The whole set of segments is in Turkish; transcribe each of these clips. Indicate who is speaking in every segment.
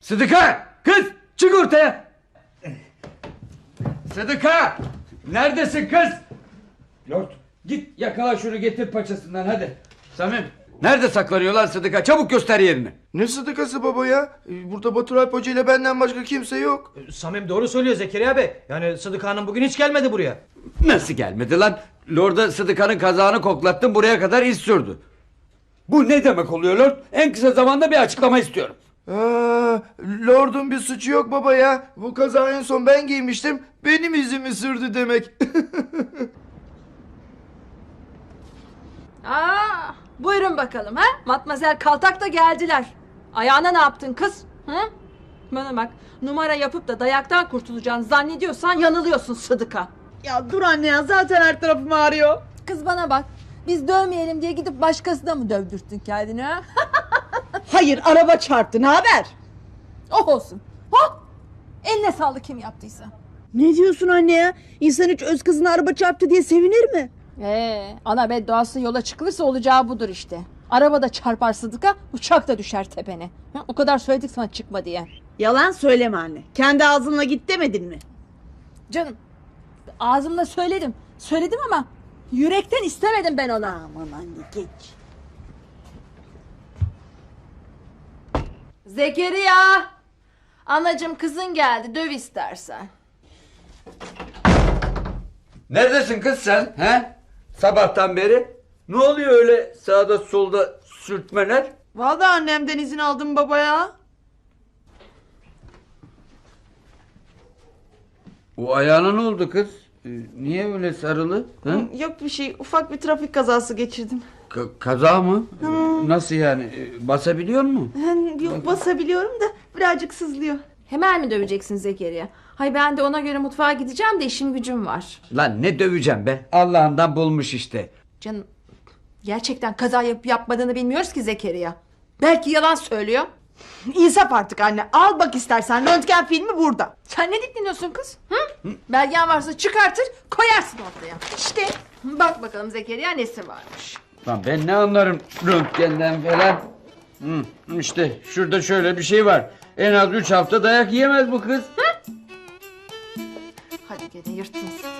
Speaker 1: Sıdıka! Kız! Çık ortaya! Sıdıka! Neredesin kız? Lord, git yakala şunu, getir paçasından hadi. Samim, nerede saklanıyor lan Sıdıka? Çabuk göster yerini.
Speaker 2: Ne sıdıkası baba ya? Burada Batur Alp Hoca ile benden başka kimse yok.
Speaker 3: Samim doğru söylüyor Zekeriya Bey. Yani Sıdıka Hanım bugün hiç gelmedi buraya.
Speaker 1: Nasıl gelmedi lan? Lord'a Sıdıka'nın kazağını koklattım, buraya kadar iz sürdü. Bu ne demek oluyor Lord? En kısa zamanda bir açıklama istiyorum.
Speaker 2: Lord'un bir suçu yok baba ya. Bu kazağı en son ben giymiştim. Benim izimi sürdü demek.
Speaker 4: Buyurun bakalım ha. Matmazel Kaltak da geldiler. Ayağına ne yaptın kız? Hı? Bana bak, numara yapıp da dayaktan kurtulacağını zannediyorsan yanılıyorsun Sıdıka.
Speaker 5: Ya dur anne ya, zaten her tarafım ağrıyor.
Speaker 4: Kız bana bak, biz dövmeyelim diye gidip başkasına mı dövdürttün kendini ha?
Speaker 5: Hayır, araba çarptı, ne haber?
Speaker 4: Oh olsun. Hop! Eline sağlık kim yaptıysa.
Speaker 5: Ne diyorsun anne ya? İnsan hiç öz kızına araba çarptı diye sevinir mi?
Speaker 4: Ana bedduası yola çıkılırsa olacağı budur işte. Araba da çarpar Sıdıka, uçak da düşer tepene. Ha, o kadar söyledik sana çıkma diye.
Speaker 5: Yalan söyleme anne. Kendi ağzınla git demedin mi?
Speaker 4: Canım, ağzımla söyledim. Söyledim ama yürekten istemedim ben ona.
Speaker 5: Aman anne geç.
Speaker 4: Zekeriya! Anacığım kızın geldi, döv istersen.
Speaker 1: Neredesin kız sen? He? Sabahtan beri. Ne oluyor öyle sağda solda sürtmeler?
Speaker 5: Vallahi annemden izin aldım baba ya.
Speaker 1: O ayağına ne oldu kız? Niye öyle sarılı? Hı?
Speaker 5: Yok bir şey, ufak bir trafik kazası geçirdim.
Speaker 1: Kaza mı? Nasıl yani? Basabiliyor mu?
Speaker 5: Yok basabiliyorum da birazcık sızlıyor.
Speaker 4: Hemen mi döveceksin Zekeriya? Hay ben de ona göre mutfağa gideceğim de işim gücüm var.
Speaker 1: Lan ne döveceğim be? Allah'ından bulmuş işte.
Speaker 4: Canım, gerçekten kaza yapıp yapmadığını bilmiyoruz ki Zekeriya. Belki yalan söylüyor.
Speaker 5: İnsaf artık anne, al bak istersen, röntgen filmi burada.
Speaker 4: Sen ne dikleniyorsun kız? Hı? Belgen varsa çıkartır koyarsın ortaya. İşte bak bakalım Zekeriya nesi varmış.
Speaker 1: Lan ben ne anlarım röntgenden falan. İşte şurada şöyle bir şey var. En az 3 hafta dayak yiyemez bu kız.
Speaker 4: Hadi gene yırttın.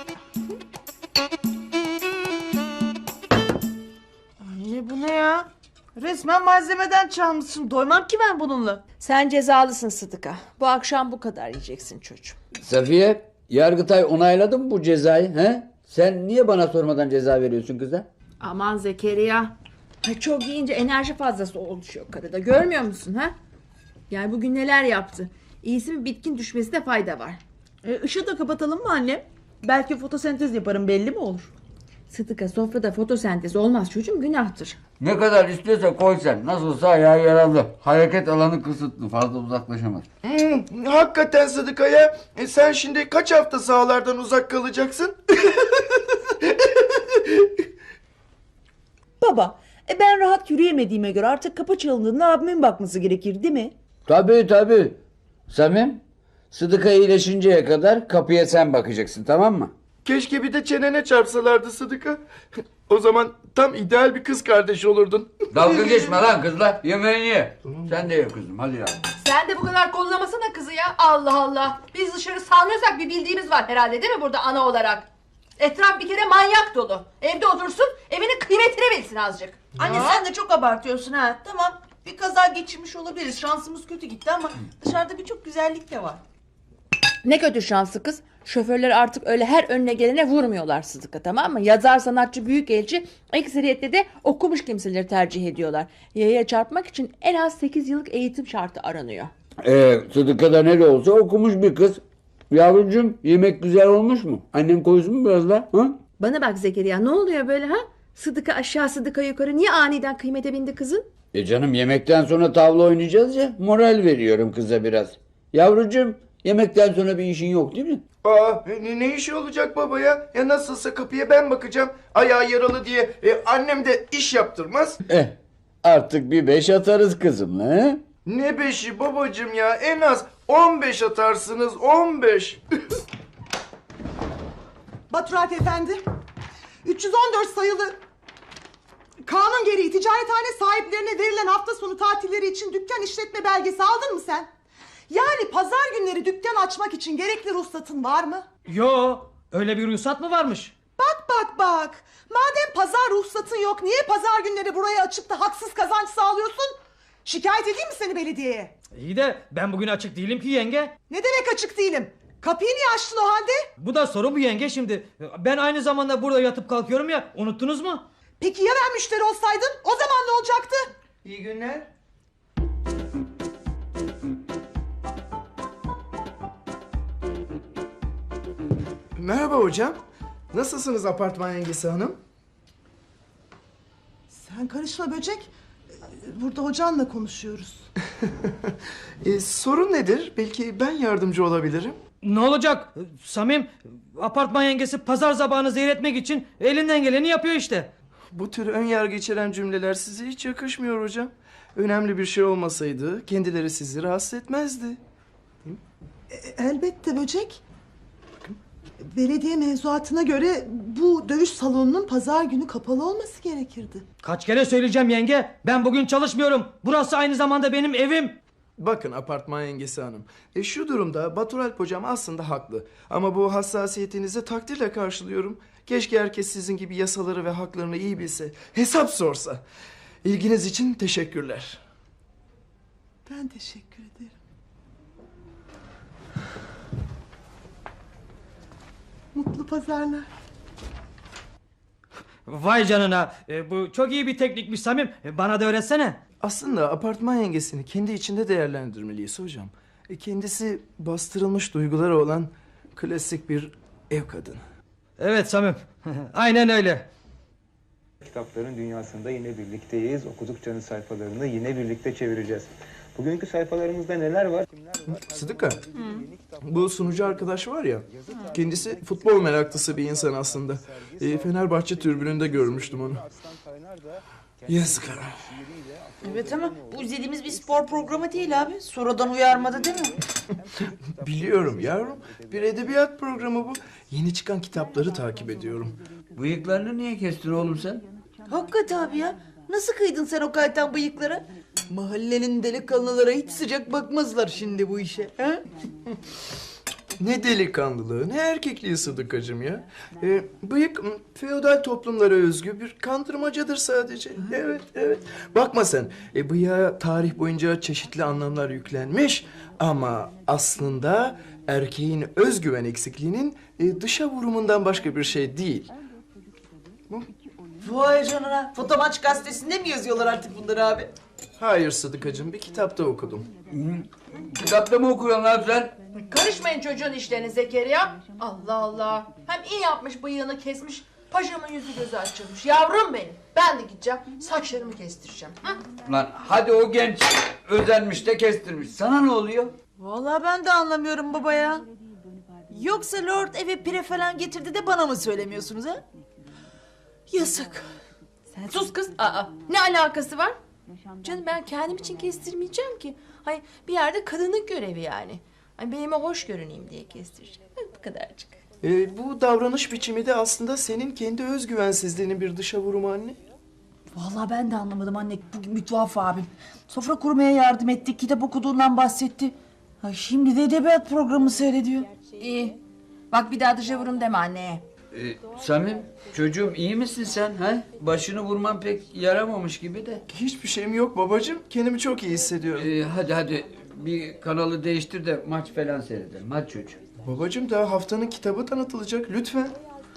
Speaker 5: Anne bu ne ya? Resmen malzemeden çalmışsın. Doymam ki ben bununla.
Speaker 4: Sen cezalısın Sıdıka. Bu akşam bu kadar yiyeceksin çocuğum.
Speaker 1: Safiye, Yargıtay onayladı mı bu cezayı? He? Sen niye bana sormadan ceza veriyorsun kıza?
Speaker 4: Aman Zekeriya. Ay çok yiyince enerji fazlası oluşuyor karıda. Görmüyor musun ha? Yani bugün neler yaptı? İyisi mi bitkin düşmesine fayda var.
Speaker 5: Işığı da kapatalım mı annem? Belki fotosentez yaparım, belli mi olur?
Speaker 4: Sıdıka, sofrada fotosentez olmaz çocuğum, günahtır.
Speaker 1: Ne kadar istiyorsa koy sen. Nasılsa ayağı yaralı. Hareket alanı kısıtlı. Fazla uzaklaşamaz.
Speaker 2: Hakikaten Sıdıka ya. Sen şimdi kaç hafta sahalardan uzak kalacaksın?
Speaker 5: Baba, ben rahat yürüyemediğime göre artık kapı çalındığında abimin bakması gerekir değil mi?
Speaker 1: Tabii. Samim, Sıdıka iyileşinceye kadar kapıya sen bakacaksın, tamam mı?
Speaker 2: Keşke bir de çenene çarpsalardı Sıdıka. O zaman tam ideal bir kız kardeş olurdun.
Speaker 1: Dalga geçme lan kızla. Yemeğini ye. Sen de ye kızım, hadi ya.
Speaker 4: Sen de bu kadar kollamasana kızı ya. Allah Allah. Biz dışarı salmıyorsak bir bildiğimiz var herhalde değil mi burada ana olarak? Etraf bir kere manyak dolu. Evde otursun, evinin kıymetini bilsin azıcık.
Speaker 5: Anne sen de çok abartıyorsun ha. Tamam, bir kaza geçirmiş olabiliriz. Şansımız kötü gitti ama dışarıda birçok güzellik de var.
Speaker 4: Ne kötü şanslı kız. Şoförler artık öyle her önüne gelene vurmuyorlar Sıdıka, tamam mı? Yazar, sanatçı, büyükelçi ekseriyette de okumuş kimseleri tercih ediyorlar. Yaya çarpmak için en az 8 yıllık eğitim şartı aranıyor.
Speaker 1: Sıdıka da ne de olsa okumuş bir kız. Yavrucuğum, yemek güzel olmuş mu? Annem koysun mu biraz daha? Ha?
Speaker 4: Bana bak Zekeriya, ne oluyor böyle ha? Sıdıka aşağı Sıdıka yukarı, niye aniden kıymete bindi kızın?
Speaker 1: Canım, yemekten sonra tavla oynayacağız ya. Moral veriyorum kıza biraz. Yavrucuğum, yemekten sonra bir işin yok değil mi?
Speaker 2: Ne işi olacak baba ya? Ya nasılsa kapıya ben bakacağım. Ayağı yaralı diye. Annem de iş yaptırmaz.
Speaker 1: Artık bir 5 atarız kızımla. He?
Speaker 2: Ne beşi babacığım ya? En az 15 atarsınız, 15.
Speaker 6: Batur Alp Efendi, 314 sayılı kanun gereği ticarethane sahiplerine verilen hafta sonu tatilleri için dükkan işletme belgesi aldın mı sen? Yani pazar günleri dükkan açmak için gerekli ruhsatın var mı?
Speaker 3: Yo, öyle bir ruhsat mı varmış?
Speaker 6: Bak. Madem pazar ruhsatın yok, niye pazar günleri burayı açıp da haksız kazanç sağlıyorsun? Şikayet edeyim mi seni belediyeye?
Speaker 3: İyi de ben bugün açık değilim ki yenge.
Speaker 6: Ne demek açık değilim? Kapıyı niye açtın o halde?
Speaker 3: Bu da soru bu yenge şimdi. Ben aynı zamanda burada yatıp kalkıyorum ya, unuttunuz mu?
Speaker 6: Peki ya ben müşteri olsaydım? O zaman ne olacaktı?
Speaker 2: İyi günler. Merhaba hocam. Nasılsınız apartman yengesi hanım?
Speaker 6: Sen karışma böcek. Burada hocanla konuşuyoruz.
Speaker 2: Sorun nedir? Belki ben yardımcı olabilirim.
Speaker 3: Ne olacak? Samim, apartman yengesi pazar sabahını zehir etmek için elinden geleni yapıyor işte.
Speaker 2: Bu tür ön yargı içeren cümleler size hiç yakışmıyor hocam. Önemli bir şey olmasaydı kendileri sizi rahatsız etmezdi.
Speaker 6: Elbette böcek. Belediye mevzuatına göre bu dövüş salonunun pazar günü kapalı olması gerekirdi.
Speaker 3: Kaç kere söyleyeceğim yenge, ben bugün çalışmıyorum. Burası aynı zamanda benim evim.
Speaker 2: Bakın apartman yengesi hanım. Şu durumda Baturalp hocam aslında haklı. Ama bu hassasiyetinizi takdirle karşılıyorum. Keşke herkes sizin gibi yasaları ve haklarını iyi bilse. Hesap sorsa. İlginiz için teşekkürler.
Speaker 6: Ben teşekkür ederim. Mutlu pazarlar.
Speaker 3: Vay canına, bu çok iyi bir teknikmiş Samim. Bana da öğretsene.
Speaker 2: Aslında apartman yengesini kendi içinde değerlendirmeliyiz hocam. Kendisi bastırılmış duyguları olan klasik bir ev kadını.
Speaker 3: Evet Samim, aynen öyle.
Speaker 7: Kitapların dünyasında yine birlikteyiz. Okudukça sayfalarını yine birlikte çevireceğiz. Bugünkü sayfalarımızda neler var? Kimler var?
Speaker 2: Sıdıka, bu sunucu arkadaş var ya, kendisi futbol meraklısı bir insan aslında. Fenerbahçe tribününde görmüştüm onu. Yazık.
Speaker 5: Evet ama bu izlediğimiz bir spor programı değil abi. Sonradan uyarmadı değil mi?
Speaker 2: Biliyorum yavrum, bir edebiyat programı bu. Yeni çıkan kitapları takip ediyorum.
Speaker 1: Bıyıklarını niye kestin oğlum sen?
Speaker 5: Hakikaten abi ya. Nasıl kıydın sen o kaytan bıyıklara? Mahallenin delikanlılara hiç sıcak bakmazlar şimdi bu işe. He?
Speaker 2: Ne delikanlılığı, ne erkekliği Sıdıkacığım ya. Bıyık feodal toplumlara özgü bir kandırmacadır sadece. Evet. Bakma sen, bıyığa tarih boyunca çeşitli anlamlar yüklenmiş. Ama aslında erkeğin özgüven eksikliğinin dışa vurumundan başka bir şey değil.
Speaker 5: Vay canına. Fotomaç gazetesinde mi yazıyorlar artık bunları abi?
Speaker 2: Hayır Sıdıkacığım, bir kitapta okudum.
Speaker 1: Kitapta mı okuyorsun lan sen?
Speaker 4: Karışmayın çocuğun işlerine Zekeriya. Allah Allah. Hem iyi yapmış bıyığını kesmiş. Paşamın yüzü gözü açılmış. Yavrum benim. Ben de gideceğim. Saçlarımı kestireceğim. Hı?
Speaker 1: Lan hadi o genç özenmiş de kestirmiş. Sana ne oluyor?
Speaker 5: Vallahi ben de anlamıyorum baba ya. Yoksa Lord eve pire falan getirdi de bana mı söylemiyorsunuz ha? Yazık.
Speaker 4: Sen sus kız. Aa, ne alakası var? Canım ben kendim için kestirmeyeceğim ki. Hayır bir yerde kadınlık görevi yani. Hani benime hoş görüneyim diye kestireceğim. Bu kadarcık.
Speaker 2: Bu davranış biçimi de aslında senin kendi özgüvensizliğinin bir dışa vurumu anne.
Speaker 5: Vallahi ben de anlamadım anne. Bugün bir tuhaf abim. Sofra kurmaya yardım ettik. Kitap okuduğundan bahsetti. Ha, şimdi de edebiyat programı seyrediyor.
Speaker 4: İyi. Bak bir daha dışa vurum deme anneye.
Speaker 1: Samim çocuğum iyi misin sen? Ha? Başını vurman pek yaramamış gibi de.
Speaker 2: Hiçbir şeyim yok babacığım. Kendimi çok iyi hissediyorum.
Speaker 1: Hadi bir kanalı değiştir de maç falan seyredelim. Hadi çocuğum.
Speaker 2: Babacığım daha haftanın kitabı tanıtılacak lütfen.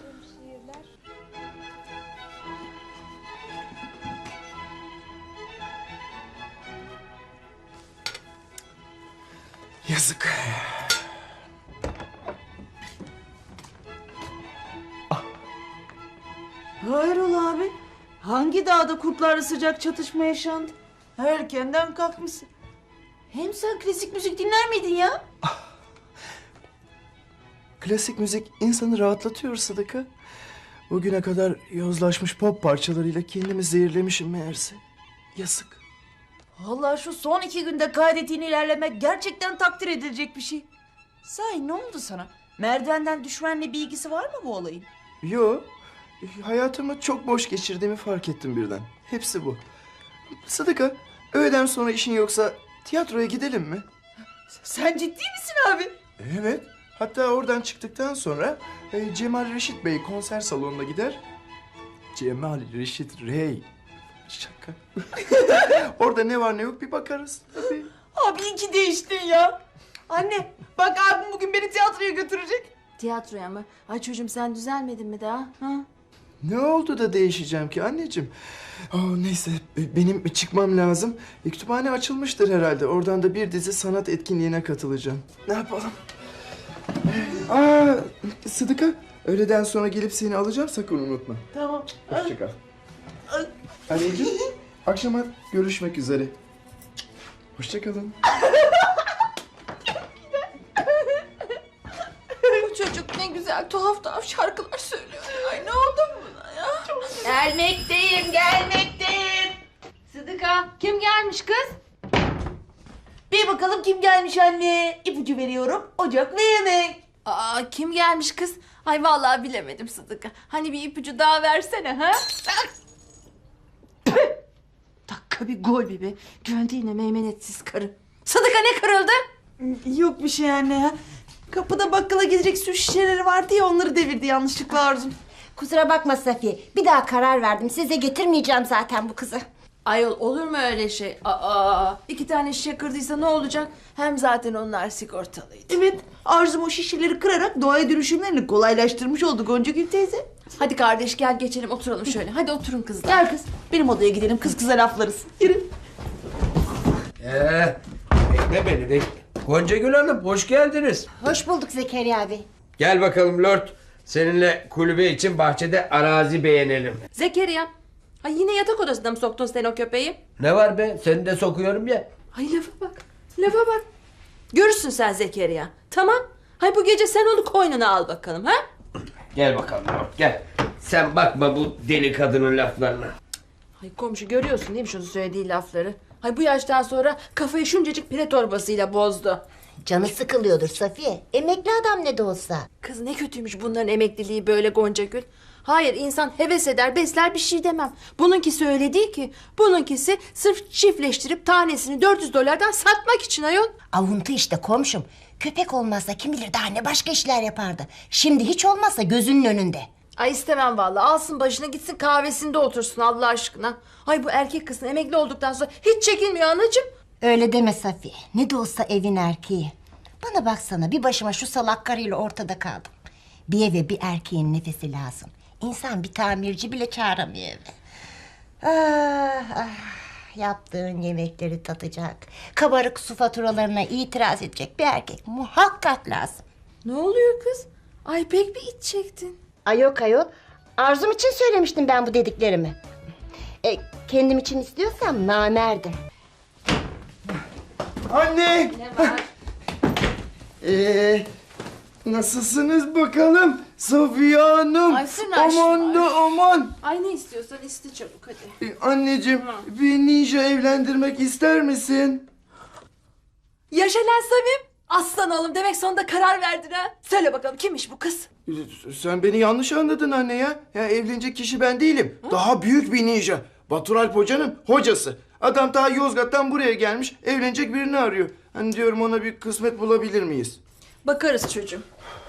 Speaker 2: Yazık.
Speaker 5: Hayrola abi? Hangi dağda kurtlarla sıcak çatışma yaşandı? Erkenden kalkmışsın. Hem sen klasik müzik dinler miydin ya?
Speaker 2: Klasik müzik insanı rahatlatıyor Sıdıka. Bugüne kadar yozlaşmış pop parçalarıyla kendimi zehirlemişim meğerse. Yazık.
Speaker 5: Vallahi şu son 2 günde kaydettiğin ilerlemek gerçekten takdir edilecek bir şey. Sahi ne oldu sana? Merdivenden düşmenle bir ilgisi var mı bu olayın?
Speaker 2: Yo, hayatımı çok boş geçirdiğimi fark ettim birden. Hepsi bu. Sıdıka, öğleden sonra işin yoksa tiyatroya gidelim mi?
Speaker 5: Sen ciddi misin abi?
Speaker 2: Evet. Hatta oradan çıktıktan sonra Cemal Reşit Bey konser salonuna gider. Cemal Reşit Rey. Şaka. Orada ne var ne yok bir bakarız tabii.
Speaker 5: Abi iyi ki değiştin ya. Anne bak abim bugün beni tiyatroya götürecek.
Speaker 4: Tiyatroya mı? Ay çocuğum sen düzelmedin mi daha? Ha?
Speaker 2: Ne oldu da değişeceğim ki anneciğim? Neyse benim çıkmam lazım. Kütüphane açılmıştır herhalde. Oradan da bir dizi sanat etkinliğine katılacağım. Ne yapalım? Sıdıka, öğleden sonra gelip seni alacağım, sakın unutma.
Speaker 5: Tamam.
Speaker 2: Hoşça kal. Anneciğim, akşama görüşmek üzere. Hoşça kalın.
Speaker 5: Bu çocuk ne güzel tuhaf tuhaf şarkılar söylüyor. Ay ne oldu buna ya?
Speaker 4: Gelmekteyim. Sıdıka kim gelmiş kız?
Speaker 5: Bir bakalım kim gelmiş anne. İpucu veriyorum. Ocak ve yemek.
Speaker 4: Aa kim gelmiş kız? Ay vallahi bilemedim Sıdıka. Hani bir ipucu daha versene ha? Dakika bir gol bir be. Güvendi yine meymenetsiz karı. Sıdıka ne kırıldı?
Speaker 5: Yok bir şey anne ya. Kapıda bakkala gidecek su şişeleri vardı ya onları devirdi yanlışlıkla Arzum.
Speaker 8: Kusura bakma Safiye. Bir daha karar verdim. Size getirmeyeceğim zaten bu kızı.
Speaker 4: Ayol olur mu öyle şey? Aa 2 tane şişe kırdıysa ne olacak? Hem zaten onlar sigortalıydı.
Speaker 5: Evet Arzum o şişeleri kırarak doğaya dönüşümlerini kolaylaştırmış oldu Goncagül teyze.
Speaker 4: Hadi kardeş gel geçelim oturalım şöyle. Hadi oturun kızlar.
Speaker 5: Gel kız benim odaya gidelim kız kıza laflarız. Yürü.
Speaker 9: Bekle beni bekle. Goncagül Hanım hoş geldiniz.
Speaker 8: Hoş bulduk Zekeriya abi.
Speaker 9: Gel bakalım Lord. Seninle kulübe için bahçede arazi beğenelim.
Speaker 4: Zekeriya. Ay yine yatak odasına mı soktun sen o köpeği?
Speaker 9: Ne var be? Seni de sokuyorum ya.
Speaker 4: Ay lafa bak. Lafa bak. Görürsün sen Zekeriya. Tamam. Hay bu gece sen onu koynuna al bakalım ha?
Speaker 9: Gel bakalım Lord gel. Sen bakma bu deli kadının laflarına.
Speaker 4: Ay komşu görüyorsun değil mi şunu söylediği lafları? Hay bu yaştan sonra kafayı şuncacık pire torbasıyla bozdu.
Speaker 8: Canı sıkılıyordur Safiye. Emekli adam ne de olsa.
Speaker 4: Kız ne kötüymüş bunların emekliliği böyle Goncagül. Hayır insan heves eder besler bir şey demem. Bununkisi öyle değil ki. Bununkisi sırf çiftleştirip tanesini $400'dan satmak için ayol.
Speaker 8: Avuntu işte komşum. Köpek olmazsa kim bilir daha ne başka işler yapardı. Şimdi hiç olmazsa gözünün önünde.
Speaker 4: Ay istemem vallahi alsın başına gitsin kahvesinde otursun Allah aşkına. Ay bu erkek kızın emekli olduktan sonra hiç çekinmiyor anacığım.
Speaker 8: Öyle deme Safiye. Ne de olsa evin erkeği. Bana baksana bir başıma şu salak karıyla ortada kaldım. Bir eve bir erkeğin nefesi lazım. İnsan bir tamirci bile çağıramıyor eve. Yaptığın yemekleri tatacak. Kabarık su faturalarına itiraz edecek bir erkek muhakkak lazım.
Speaker 4: Ne oluyor kız? Ay pek bir iç çektin.
Speaker 8: Ay yok ayol. Arzum için söylemiştim ben bu dediklerimi. Kendim için istiyorsam namerdim.
Speaker 2: Anne!
Speaker 4: Ne var?
Speaker 2: Nasılsınız bakalım Safiye Hanım?
Speaker 4: Ay, sırnaş
Speaker 2: aman da aman.
Speaker 4: Ay ne istiyorsan iste çabuk hadi.
Speaker 2: Anneciğim bir ninja evlendirmek ister misin?
Speaker 4: Yaşa lan Samim. Aslan oğlum demek sonunda karar verdin ha. Söyle bakalım kimmiş bu kız?
Speaker 2: Sen beni yanlış anladın anne ya. Ya evlenecek kişi ben değilim. Daha büyük bir ninja. Batur Alp Hoca'nın hocası. Adam daha Yozgat'tan buraya gelmiş. Evlenecek birini arıyor. Hani diyorum ona bir kısmet bulabilir miyiz?
Speaker 4: Bakarız çocuğum.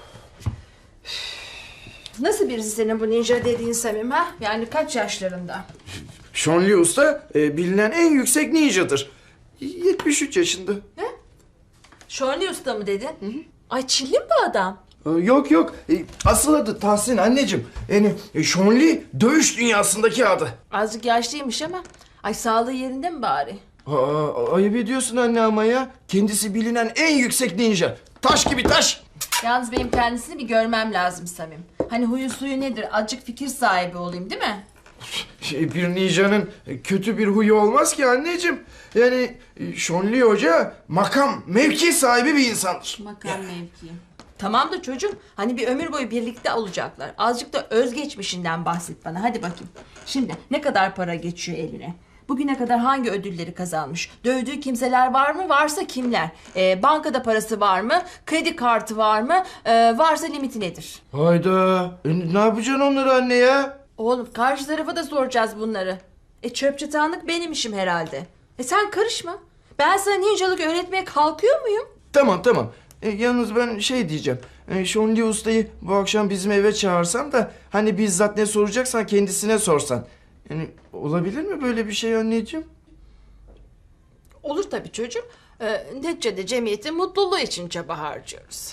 Speaker 4: Nasıl birisi senin bu ninja dediğin Samim ha? Yani kaç yaşlarında?
Speaker 2: Sean Lee Usta bilinen en yüksek ninjadır. 73 yaşında.
Speaker 4: Şorli Usta mı dedin? Hı. Ay Çinli mi bu adam?
Speaker 2: Yok yok. Asıl adı Tahsin anneciğim. Yani Sean Lee dövüş dünyasındaki adı.
Speaker 4: Azıcık yaşlıymış ama. Ay sağlığı yerinde mi bari?
Speaker 2: Ayıp ediyorsun anne ama ya. Kendisi bilinen en yüksek ninja. Taş gibi taş.
Speaker 4: Yalnız benim kendisini bir görmem lazım Samim. Hani huyu suyu nedir? Azıcık fikir sahibi olayım değil mi?
Speaker 2: Bir ninjanın kötü bir huyu olmaz ki anneciğim. Yani Sean Lee Hoca makam, mevki sahibi bir insandır.
Speaker 4: Makam mevki. Tamam da çocuğum hani bir ömür boyu birlikte olacaklar. Azıcık da özgeçmişinden bahset bana hadi bakayım. Şimdi ne kadar para geçiyor eline? Bugüne kadar hangi ödülleri kazanmış? Dövdüğü kimseler var mı? Varsa kimler? Bankada parası var mı? Kredi kartı var mı? Varsa limiti nedir?
Speaker 2: Hayda. Ne yapacaksın onları anne ya?
Speaker 4: Oğlum karşı tarafa da soracağız bunları. Çöp çatanlık benim işim herhalde. Sen karışma. Ben sana ninjalık öğretmeye kalkıyor muyum?
Speaker 2: Tamam tamam. Yalnız ben şey diyeceğim. Şonli Usta'yı bu akşam bizim eve çağırsam da hani bizzat ne soracaksan kendisine sorsan. Yani olabilir mi böyle bir şey anneciğim?
Speaker 4: Olur tabii çocuğum. Neticede cemiyetin mutluluğu için çaba harcıyoruz.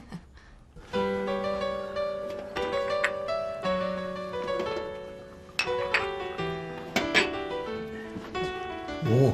Speaker 9: Oo.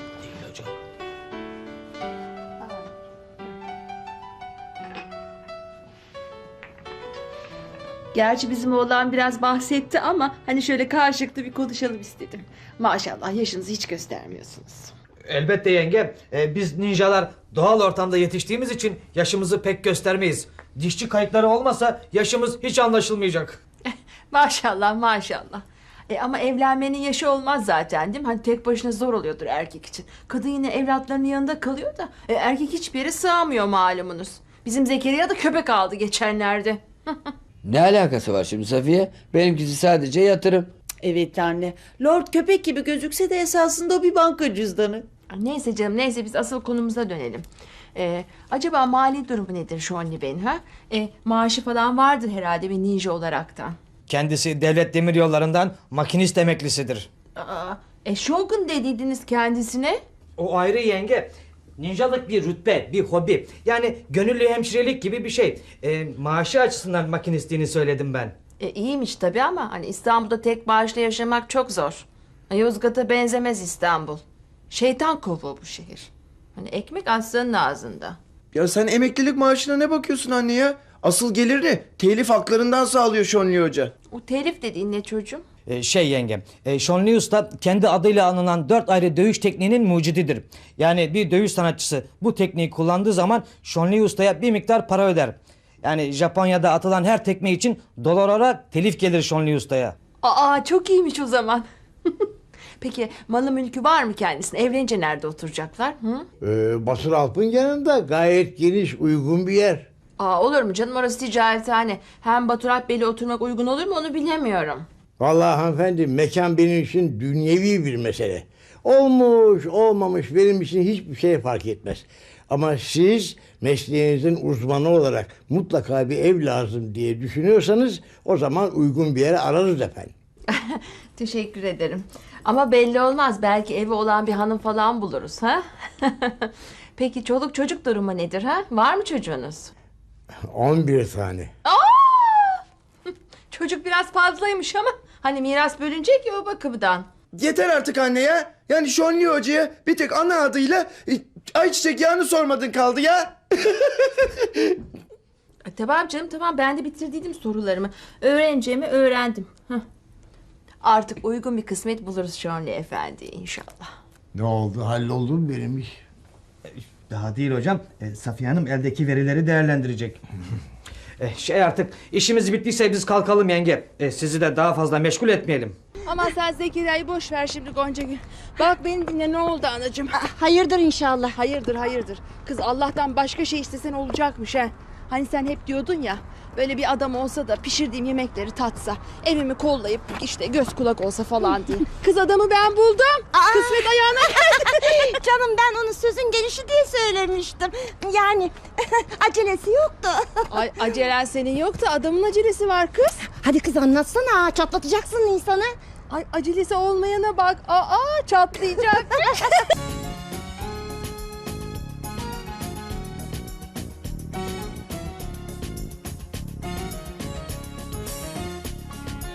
Speaker 4: Gerçi bizim oğlan biraz bahsetti ama hani şöyle karşılıklı bir konuşalım istedim. Maşallah yaşınızı hiç göstermiyorsunuz.
Speaker 3: Elbette yenge. Biz ninjalar doğal ortamda yetiştiğimiz için yaşımızı pek göstermeyiz. Dişçi kayıtları olmasa yaşımız hiç anlaşılmayacak.
Speaker 4: Maşallah maşallah. Ama evlenmenin yaşı olmaz zaten değil mi? Hani tek başına zor oluyordur erkek için. Kadın yine evlatlarının yanında kalıyor da erkek hiçbir yere sığamıyor malumunuz. Bizim Zekeriya da köpek aldı geçenlerde.
Speaker 1: Ne alakası var şimdi Safiye? Benimkisi sadece yatırım.
Speaker 5: Evet anne. Lord köpek gibi gözükse de esasında o bir banka cüzdanı.
Speaker 4: Neyse canım neyse biz asıl konumuza dönelim. Acaba mali durumu nedir Şonli Bey'in ha? Maaşı falan vardır herhalde bir ninja olaraktan.
Speaker 3: Kendisi devlet demiryollarından makinist emeklisidir.
Speaker 4: Shogun dediydiniz kendisine.
Speaker 3: O ayrı yenge. Ninjalık bir rütbe, bir hobi. Yani gönüllü hemşirelik gibi bir şey. Maaşı açısından makinistliğini söyledim ben.
Speaker 4: İyiymiş tabii ama hani İstanbul'da tek maaşla yaşamak çok zor. Yozgat'a benzemez İstanbul. Şeytan kovuğu bu şehir. Hani ekmek aslanın ağzında.
Speaker 2: Ya sen emeklilik maaşına ne bakıyorsun anne ya? Asıl gelirini telif haklarından sağlıyor Şonli Hoca.
Speaker 4: O telif dediğin ne çocuğum?
Speaker 3: Yenge, Şonli Usta kendi adıyla anılan 4 ayrı dövüş tekniğinin mucididir. Yani bir dövüş sanatçısı bu tekniği kullandığı zaman Şonli Usta'ya bir miktar para öder. Yani Japonya'da atılan her tekme için dolar olarak telif gelir Şonli Usta'ya.
Speaker 4: Çok iyiymiş o zaman. Peki malı mülkü var mı kendisine? Evlenince nerede oturacaklar?
Speaker 10: Basır Alp'ın yanında gayet geniş, uygun bir yer.
Speaker 4: Olur mu canım orası ticarethane. Hem Batur Alp Bey'le oturmak uygun olur mu onu bilemiyorum.
Speaker 10: Vallahi hanımefendi mekan benim için dünyevi bir mesele. Olmuş olmamış benim için hiçbir şey fark etmez. Ama siz mesleğinizin uzmanı olarak mutlaka bir ev lazım diye düşünüyorsanız o zaman uygun bir yere ararız efendim.
Speaker 4: Teşekkür ederim. Ama belli olmaz. Belki evi olan bir hanım falan buluruz ha? Peki çoluk çocuk durumu nedir ha? Var mı çocuğunuz?
Speaker 10: 11 tane.
Speaker 4: Çocuk biraz fazlaymış ama hani miras bölünecek ya o bakımdan.
Speaker 2: Yeter artık anne ya. Yani Şonli Hoca'ya bir tek ana adıyla ayçiçek yağını sormadın kaldı ya.
Speaker 4: Tamam canım tamam ben de bitirdiydim sorularımı. Öğreneceğimi öğrendim. Artık uygun bir kısmet buluruz Şonli Efendi inşallah.
Speaker 10: Ne oldu halloldu mu benim iş?
Speaker 3: Daha değil hocam. Safiye Hanım eldeki verileri değerlendirecek. Artık işimiz bittiyse biz kalkalım yenge. Sizi de daha fazla meşgul etmeyelim.
Speaker 4: Ama sen Zekeriya'yı boş ver şimdi Goncagül. Bak beni dinle ne oldu anacığım?
Speaker 8: Hayırdır inşallah.
Speaker 4: Hayırdır. Kız Allah'tan başka şey istesen olacakmış ha. Hani sen hep diyordun ya böyle bir adam olsa da pişirdiğim yemekleri tatsa, evimi kollayıp işte göz kulak olsa falan diye. Kız adamı ben buldum. Kısmet ayağına geldi.
Speaker 8: Canım ben onu sözün gelişi diye söylemiştim. Yani acelesi yoktu.
Speaker 4: Ay acelen senin yok da adamın acelesi var kız.
Speaker 8: Hadi kız anlatsana, çatlatacaksın insanı.
Speaker 4: Ay acelesi olmayana bak. Çatlayacak.